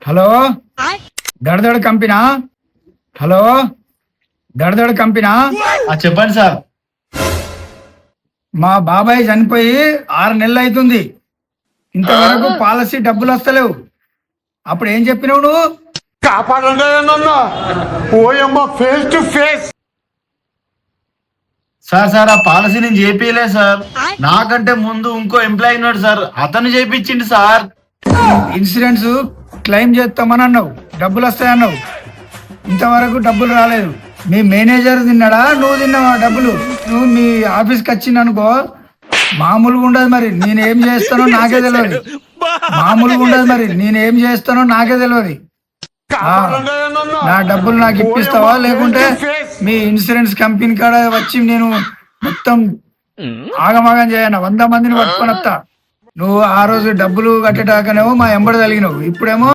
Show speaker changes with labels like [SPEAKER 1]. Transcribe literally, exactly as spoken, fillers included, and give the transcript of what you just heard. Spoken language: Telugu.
[SPEAKER 1] హలో దడదడ కంపెనా హలో దడదడ కంపెనా
[SPEAKER 2] ఆ, చెప్పండి సార్.
[SPEAKER 1] మా బాబాయ్ చనిపోయి ఆరు నెలలు అవుతుంది, ఇంతవరకు పాలసీ డబ్బులు వస్తలేవు. అప్పుడు ఏం చెప్పినావు నువ్వు?
[SPEAKER 3] కాపాడండి నన్ను. ఓయమ్మ face to face.
[SPEAKER 2] Sir sir ఆ పాలసీ నేను చేపియలే సార్. నాకంటే ముందు ఇంకో ఎంప్లాయీ ఉన్నాడు సార్, అతను చేపించిండు సార్.
[SPEAKER 1] ఇన్సూరెన్స్ క్లెయిమ్ చేస్తామని అన్నావు, డబ్బులు వస్తాయన్నావు, ఇంతవరకు డబ్బులు రాలేదు. మీ మేనేజర్ తిన్నాడా, నువ్వు తిన్నావా డబ్బులు? నువ్వు మీ ఆఫీస్కి వచ్చింది అనుకో, మామూలుగా ఉండదు. మరి నేనేం చేస్తానో నాకే తెలియదు. మామూలుగా ఉండదు. మరి నేనేం చేస్తానో నాకే తెలియదు. ఆ, నా డబ్బులు నాకు ఇప్పిస్తావా, లేకుంటే మీ ఇన్సూరెన్స్ కంపెనీ కాడ వచ్చి నేను మొత్తం ఆగమాగం చేయను, వంద మందిని పట్టుకొని వస్తా. నువ్వు ఆ రోజు డబ్బులు కట్టేటాకనేమో మా ఎంబడి తగిలినావు, ఇప్పుడేమో